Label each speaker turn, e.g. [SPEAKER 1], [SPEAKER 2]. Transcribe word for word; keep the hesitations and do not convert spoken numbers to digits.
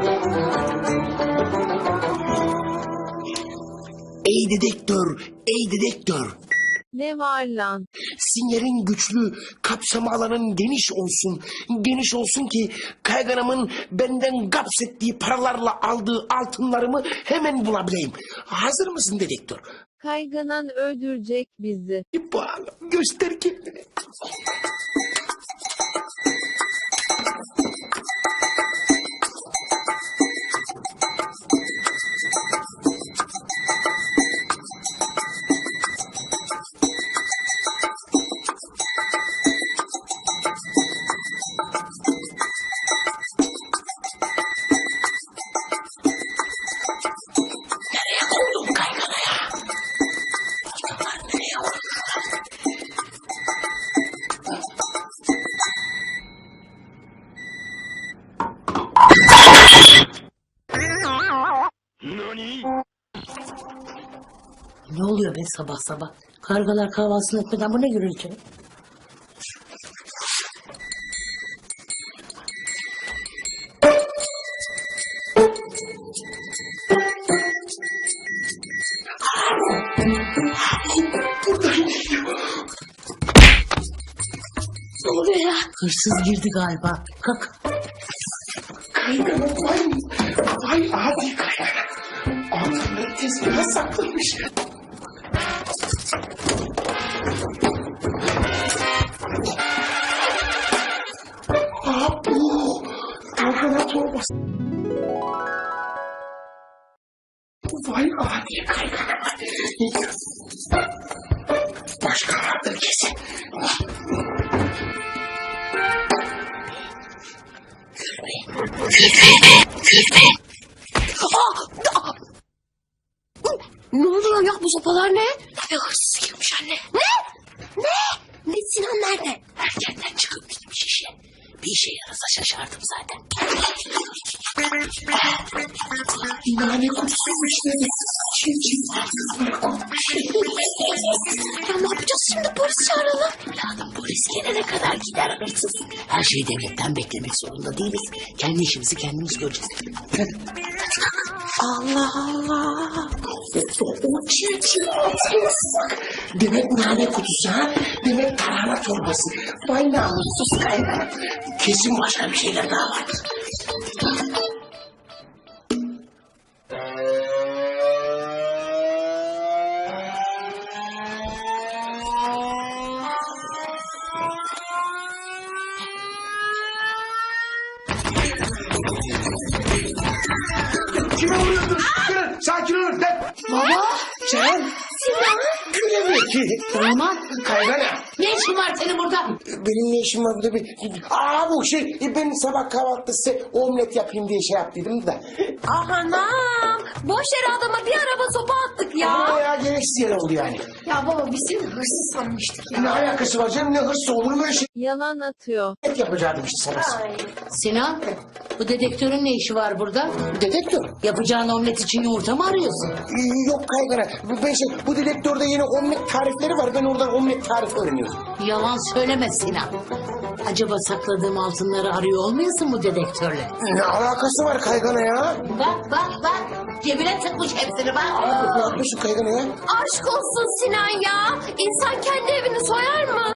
[SPEAKER 1] Ey dedektör, ey dedektör.
[SPEAKER 2] Ne var lan?
[SPEAKER 1] Sinyalin güçlü, kapsama alanın geniş olsun. Geniş olsun ki kayganamın benden gaps ettiği paralarla aldığı altınlarımı hemen bulabileyim. Hazır mısın dedektör?
[SPEAKER 2] Kayganan öldürecek bizi.
[SPEAKER 1] Bağla, göster kendini. Nereye koydun kayganaya? Başkalar nereye koydular?
[SPEAKER 3] Ne oluyor be sabah sabah? Kargalar kahvaltısını etmeden bu ne gürültü? Ne oluyor ya? Hırsız girdi galiba. Kalk.
[SPEAKER 1] Kaygana vay, vay adi kaygana. Altınları tezgaha saklamış. Abu, kaygana torbası. Vay adi kaygana. Başka vardır kesin.
[SPEAKER 3] Ne oluyor ya, bu sopalar ne? Eve hırsız girmiş anne. Ne? Ne? Ne, Sinan nerede? Erkenden çıkıp gitmiş işe. Bir işe yarasa şaşardım zaten.
[SPEAKER 1] Nane kutusuymuş dedi. Çiv çiv kızlar kokmuş.
[SPEAKER 3] Ya ne yapacağız şimdi, polis çağıralım. Evladım, polis gelene kadar gider hırsız. Her şeyi devletten beklemek zorunda değiliz. Kendi işimizi kendimiz göreceğiz.
[SPEAKER 1] Allah Allah. O çiv çiv altınız. Demek nane kutusu ha? Demek tarhana torbası. Vay namussuz kaygana. Kesin başka bir şeyler daha vardır. Kime vuruyorsun? Durun, sakin olun. Lan.
[SPEAKER 3] Baba.
[SPEAKER 1] Sen?
[SPEAKER 3] Sinan.
[SPEAKER 1] Güle ki.
[SPEAKER 3] Damat.
[SPEAKER 1] Kaygana.
[SPEAKER 3] Ne işin var senin burada?
[SPEAKER 1] Benim ne işim var burada? Bir... Aa bu şey, ben sabah kahvaltıda size omlet yapayım diye şey yaptıydım da.
[SPEAKER 4] Anam, boş yere adama bir araba sopa attık ya.
[SPEAKER 1] Ama ya gereksiz yer oldu yani.
[SPEAKER 4] Ya baba biz seni hırsız sanmıştık ya.
[SPEAKER 1] Ne alakası var canım, ne hırsı olur mu öyle şey?
[SPEAKER 2] Yalan atıyor.
[SPEAKER 1] Et yapacaktım işte sabah.
[SPEAKER 4] Ay.
[SPEAKER 3] Sinan, bu dedektörün ne işi var burada?
[SPEAKER 1] Dedektör.
[SPEAKER 3] Yapacağın omlet için yumurta mı arıyorsun?
[SPEAKER 1] Ee, Yok kaygana. Ben şey, bu dedektörde yeni omlet tarifleri var. Ben oradan omlet tarifi öğreniyorum.
[SPEAKER 3] Yalan söyleme Sinan. Acaba sakladığım altınları arıyor olmayasın bu dedektörle?
[SPEAKER 1] Ne alakası var kaygana ya?
[SPEAKER 3] Bak bak bak. Cebine tıkmış hepsini bak.
[SPEAKER 1] Ne yapıyorsun kaygana ya?
[SPEAKER 4] Aşk olsun Sinan ya. İnsan kendi evini soyar mı?